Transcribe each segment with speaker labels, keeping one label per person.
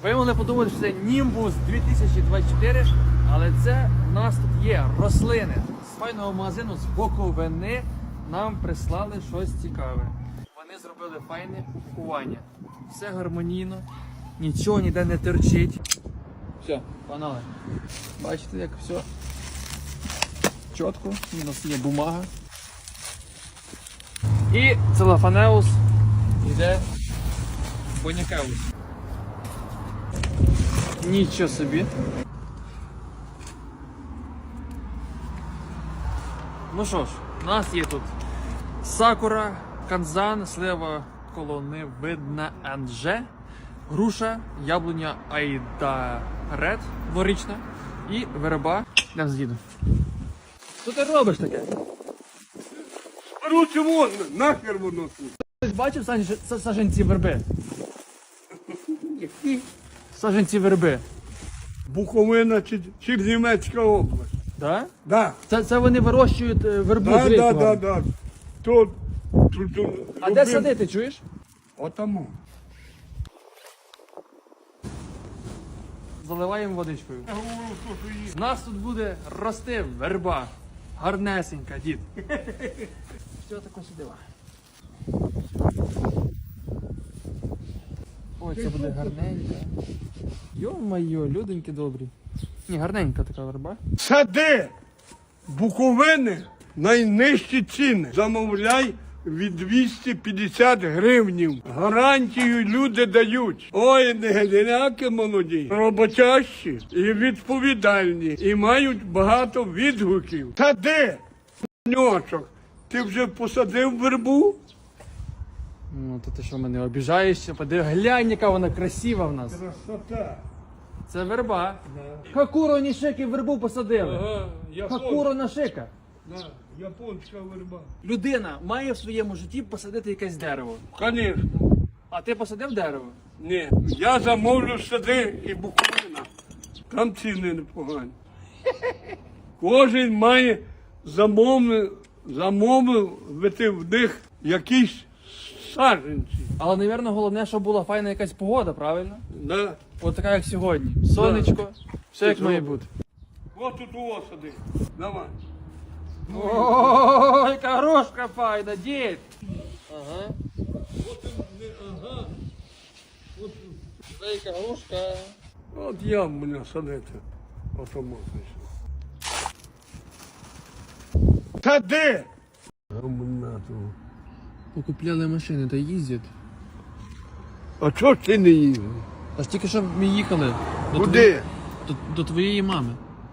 Speaker 1: Ви могли подумати, що це Nimbus 2024, але це в нас тут є рослини. З файного магазину з Буковини нам прислали щось цікаве. Вони зробили файне упакування. Все гармонійно, нічого ніде не терчить. Все, погнали. Бачите, як все чітко, у нас є бумага. І целофанеус йде в Бонякеус. Нічого собі. Ну що ж, у нас є тут сакура, канзан, слива колоневидна анже, груша, яблуня айда ред, дворічна і верба. Йдемо з дідом. Що ти робиш таке?
Speaker 2: Короче, вон, нахер воно тут.
Speaker 1: Хтось бачив саджанці верби? Саджанці верби.
Speaker 2: Буковина чи Чернівецька область.
Speaker 1: Да?
Speaker 2: Да.
Speaker 1: Це вони вирощують вербу з
Speaker 2: Да. Тут,
Speaker 1: А де садити, чуєш?
Speaker 2: Отамо.
Speaker 1: Заливаємо водичкою. У нас тут буде рости верба. Гарнесенька, дід. Все таке сидила. Ой, це буде гарненька. Йо-майо, люденьки добрі. Ні, гарненька така верба.
Speaker 2: Сади Буковини найнижчі ціни. Замовляй від 250 гривнів. Гарантію люди дають. Ой, не геляки молоді, роботящі і відповідальні. І мають багато відгуків. Сади, ньочок, ти вже посадив вербу?
Speaker 1: Ну, то ти що, мене обіжаєшся? Глянь, яка вона красива в нас.
Speaker 2: Красота.
Speaker 1: Це верба. Хакуро Нішики вербу посадили.
Speaker 2: Ага,
Speaker 1: Хакуро Нашика.
Speaker 2: Да, японська верба.
Speaker 1: Людина має в своєму житті посадити якесь дерево.
Speaker 2: Звісно.
Speaker 1: А ти посадив дерево?
Speaker 2: Ні, я замовлю сади і Буковина. Там ціни непогані. Кожен має замовити в них якісь саджанці.
Speaker 1: Але, мабуть, головне, щоб була файна якась погода, правильно?
Speaker 2: Да.
Speaker 1: От така, як сьогодні. Сонечко, все як має бути.
Speaker 2: От тут у сади. Давай.
Speaker 1: О, яка грушка файна, дід! Ага.
Speaker 2: Ага.
Speaker 1: Це яка грушка.
Speaker 2: От я мене садити. Автоматично. Сади!
Speaker 1: Покупляли машини та їздять.
Speaker 2: А чого ж ти не їздив?
Speaker 1: Аж тільки що ми їхали.
Speaker 2: Куди?
Speaker 1: До твоєї мами.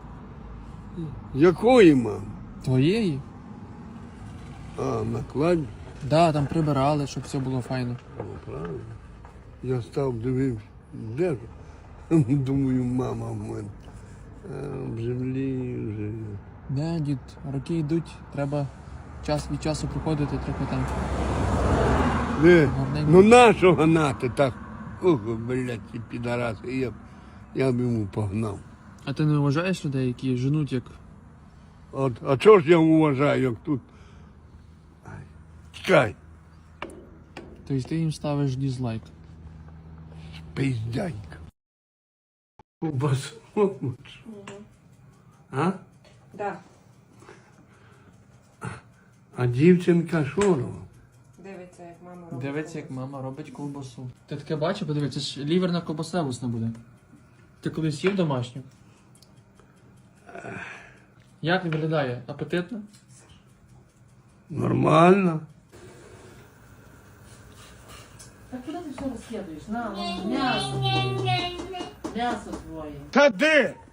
Speaker 2: Якої мами?
Speaker 1: Твоєї?
Speaker 2: А, накладь.
Speaker 1: Да, там прибирали, щоб все було файно.
Speaker 2: Ну, правильно. Я став дивився. Де ж? Думаю, мама в мене. А, в землі вже.
Speaker 1: Да, дід, роки йдуть, треба час від часу приходити, трохи там.
Speaker 2: Де?
Speaker 1: Гарненько.
Speaker 2: Ну нащо гнати так? Ох, блядь, ці підараси. Я б йому погнав.
Speaker 1: А ти не вважаєш людей, які женуть як...
Speaker 2: А чого ж я вважаю, як тут? Ай, чекай,
Speaker 1: Тобто ти їм ставиш дізлайк.
Speaker 2: пиздянька. Кубасу. А?
Speaker 3: Да,
Speaker 2: А дівчинка що робить?
Speaker 3: дивиться, як мама робить.
Speaker 1: Дивиться, як мама робить ковбасу. Ти таке бачив? Подивись, це ж ліверна ковбаса вусна буде. Ти колись їв домашню? Як виглядає? Апетитно?
Speaker 2: Нормально.
Speaker 4: Так куда ты все раскидываешь? На, м'ясо. М'ясо твоє.
Speaker 2: Та де?